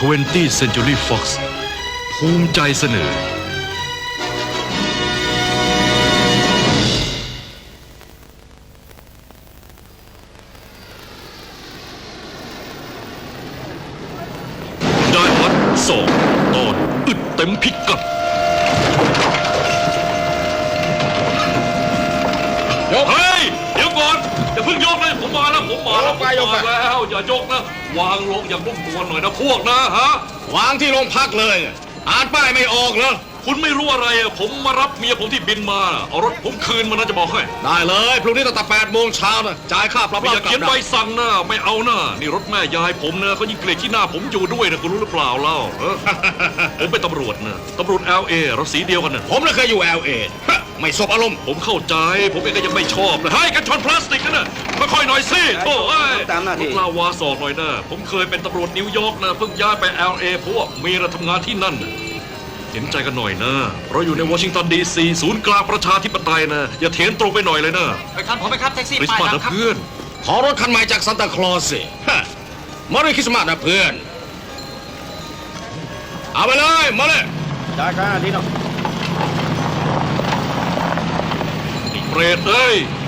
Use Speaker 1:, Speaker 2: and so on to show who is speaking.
Speaker 1: 20th Century Fox ภูมิใจเสนอได้พัด2 ตอนอึดเต็มพิกัดเฮ้ยเดี๋ยวก่อนอย่าเพิ่งยกเลยผมมาแล้วอย่ายกนะวางลงอย่างนุ่มนวลหน่อยนะพวกนะฮะ
Speaker 2: วางที่โรงพักเลยอ่านป้ายไม่ออกเหรอ
Speaker 1: คุณไม่รู้อะไรอ่ะผมมารับเมียผมที่บินมาเอารถผมคืนมานะจะบอกให้
Speaker 2: ได้เลยพรุ่งนี้ตั้งแต่8 โมงเช้านะจ่ายค่าปรับ
Speaker 1: ไม่อยากเขียนใบสั่งนะไม่เอานะนี่รถแม่ยายผมนะเขายิ่งเกลียดที่หน้าผมอยู่ด้วยนะคุณรู้หรือเปล่าเล่าผมเป็นตำรวจนะตำรวจ LA เราสีเดียวกันนะ
Speaker 2: ผมน่ะเคยอยู่ LA ไม่สบอารมณ์
Speaker 1: ผมเข้าใจผมเองก็ยังไม่ชอบนะให้กันชนพลาสติกกันนะค่อยๆหน่อยสิโอ้ย
Speaker 3: ตามหน้าที่
Speaker 1: ลาวาสอกหน่อยนะผมเคยเป็นตำรวจนิวยอร์กนะเพิ่งย้ายไป LA เพราะว่ามีเราทำงานที่นั่นเห็นใจกันหน่อยนะเราอยู่ในวอชิงตันดีซีศูนย์กลางประชาธิปไตยนะอย่าเถียงตรงไปหน่อยเลยนะ
Speaker 3: ไปครับผมไปครับแท็กซี่
Speaker 1: ป้ายนะเพื่อน
Speaker 2: ขอรถคันใหม่จากซานตาคลอสสิมาเลยคริสต์มาสนะเพื่อนเอาไปเลยมาเลย
Speaker 3: จ่ายค่าที่น้อง
Speaker 1: เปรตเอ้ย